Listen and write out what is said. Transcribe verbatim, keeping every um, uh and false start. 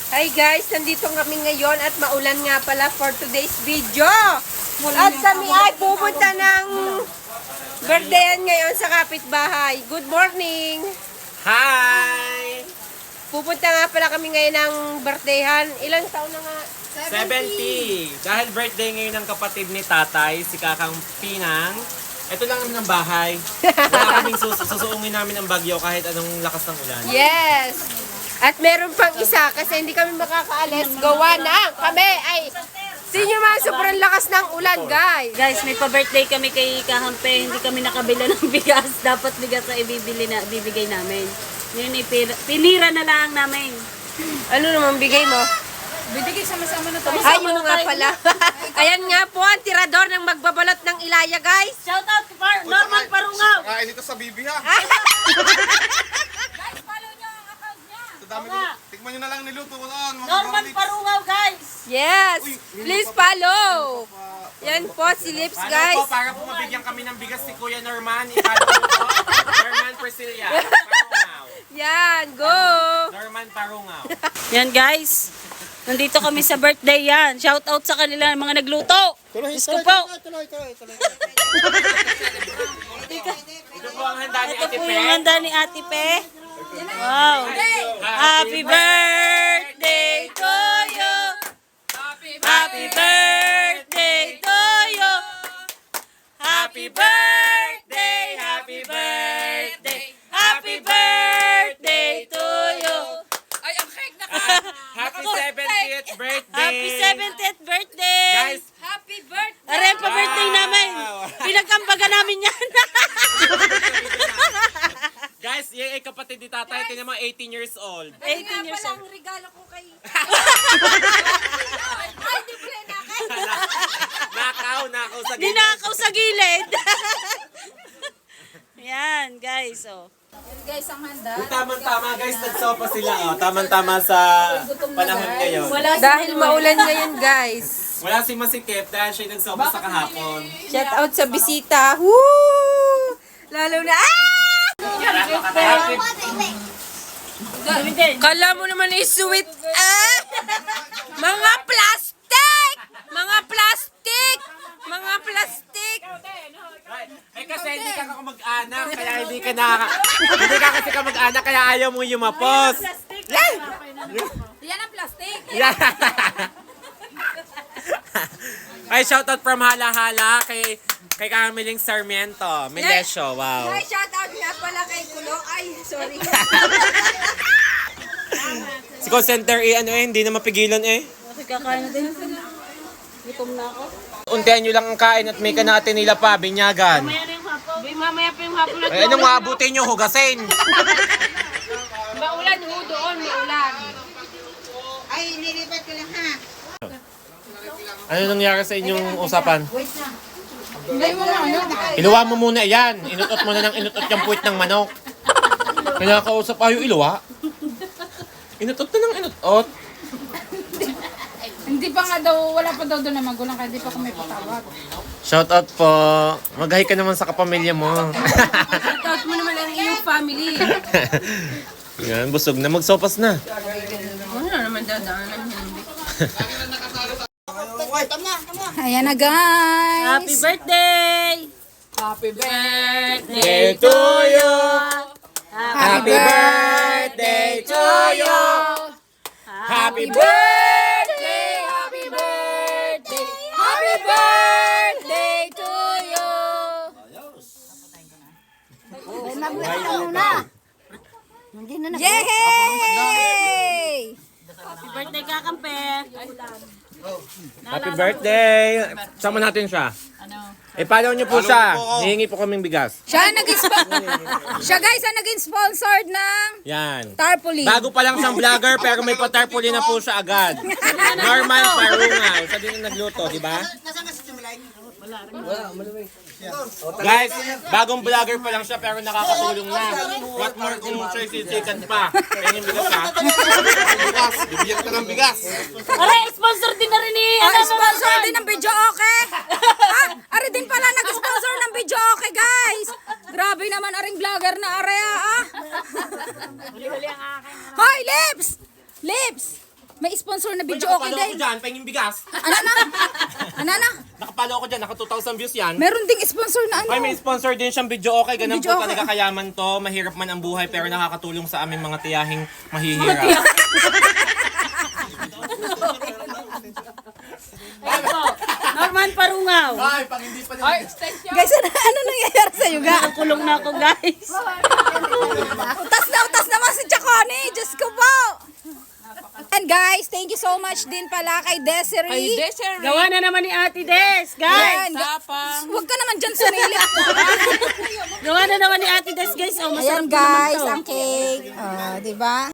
Hi guys, nandito kami ngayon at maulan nga pala for today's video. At kami ay pupunta ng birthdayan ngayon sa kapitbahay. Good morning! Hi! Pupunta nga pala kami ngayon ng birthdayan. Ilang taon na nga? seventy! Dahil birthday ngayon ng kapatid ni tatay, si Kakang Pinang. Ito lang naman ang bahay. Wala kaming sus susuungin namin ang bagyo kahit anong lakas ng ulan. Yes! At meron pang isa kasi hindi kami makakaalis. Gawa na kami ay sinyo mga sobrang lakas ng ulan, guys. Guys, may pa-birthday kami kay Kahampe. Hindi kami nakabila ng bigas. Dapat bigas na ibibili na, bibigay namin. Ngayon, ipira, pinira na lang namin. Ano naman bigay mo? Bibigay sama-sama na tayo. Ay, yung nga pala. Ayan nga po ang tirador ng magbabalot ng Ilaya, guys. Shout out to Par Norman Parungaw. Kain ito sa Bibi ha. Guys, follow nyo ang account niya. Sa dami nyo. Tikman nyo na lang niluto ko doon. mga Norman kapatid. Parungaw, guys. Yes, please follow. Yan po si Lips, Paano guys. po, para po mabigyan kami ng bigas si Kuya Norman, ipalo po, Norman Priscilla, Parungaw. Yan, go. Norman Parungaw. Yan, guys. Nandito kami sa birthday yan. Shout out sa kanila mga nagluto. Diyos ko po. Ito po ang handa ni Ito Ate po Pe. yung handa ni Ate Pe. Wow. Happy birthday to you. Happy birthday to you. Happy birthday, happy birthday. Happy birthday to you. Happy seventieth birthday! Happy seventieth birthday. Guys, Happy birthday. Aray pa birthday namin. Pinagkambaga namin yan. guys, yung ay kapatid ni tatay, tinan mo, eighteen years old. eighteen years old. Ang regalo ko kay... Ay, di pala na kay... Nakaw, nakaw sa gilid. Ninakaw sa gilid. Yan, guys. Oh. Guys, ang handa. Tamang-tama guys, nagsopa sila. Oh. Tamang-tama sa panahon ngayon. Dahil maulan ngayon, guys. Wala si Masikip dahil siya nagsopa sa kahapon. Shout out sa bisita. Woo! Lalo na... Ah! Happy, Kala mo naman is sweet. Ah! Mga plastic! Mga plastic! Mga plastic! eh kasi hindi ka ka mag-anak, kaya hindi ka na... Hindi ka kasi ka mag-anak, kaya ayaw mo yumapos. Yan ang plastic. Yeah. Ay, shoutout from Hala-Hala kay kay Camiling Sarmiento. Melesio, wow. Ay, shout out nga pala kay Kulo. Ay, sorry. Si call center eh, ano eh, hindi na mapigilan eh. Okay, kakain na din. Gutom na ako. Untihan nyo lang ang kain at may kanate nila pa, binyagan. Mamaya na yung hapon. Mamaya pa yung hapon na Eh, anong maabutin nyo, hugasin? Maulan ho doon, may ulan. Ay, nilipat ko lang ha. Ano nangyari sa inyong usapan? Iluwa mo muna yan. Inutot mo na ng inutot yung puwit ng manok. Kinakausap ayo iluwa. Inutot na ng inutot. Hindi pa nga daw, wala pa daw doon na magulang kaya hindi pa kami patawag. Shout out po. Mag-hi ka naman sa kapamilya mo. Shout out mo naman ang iyong family. Yan, busog na. Magsopas na. Ano naman dadaanan yan? Ayan na guys. Happy birthday! Happy birthday! Day to you. Happy birthday to you. Happy birthday. Happy birthday! Happy birthday to you! Yay! Happy birthday, Kakampe! Happy birthday. Sama natin siya. Eh, follow niyo po siya. Hihingi po kaming bigas. Siya nag Siya guys ang naging sponsored ng Yan. Tarpaulin. Bago pa lang siyang vlogger pero may patarpuli na po siya agad. Norman Parungaw. Siya din ang nagluto, di ba? Guys, bagong vlogger pa lang siya pero nakakatulong na. What more kung sisisikan pa. Kaya yung bigas ha. Bigas. Bibigyan ka ng bigas. Aray, sponsor din na rin ni... Ah, sponsor din ng video okay. Ah, ari din pala nag-sponsor ng video okay guys. Grabe naman aring vlogger na area ah. Hoy, Lips! Lips! may sponsor na Uy, video okay nakapalo ako din. dyan, pahinging bigas. Ano na? Ano na? Nakapalo ako dyan, naka two thousand views yan. Meron ding sponsor na ano. Ay, may sponsor din siyang video okay. Ganun Video po okay. talaga kayaman to. Mahirap man ang buhay pero nakakatulong sa aming mga tiyahing mahihirap. Ayan po. Norman Parungaw. Ay, pag hindi pa din. Guys, ano, ano nangyayari sa'yo, ga? Kulong na ako, guys. Utas na utas naman si Chacone. Diyos ko po. And guys, thank you so much din pala kay Desiree. Gawa na naman ni Ate Des, guys. Ayan, ga- Huwag ka naman dyan sumili. Gawa na naman ni Ate Des, guys. Oh, masarap Ayan na naman guys, to. ang cake. Oh, di ba?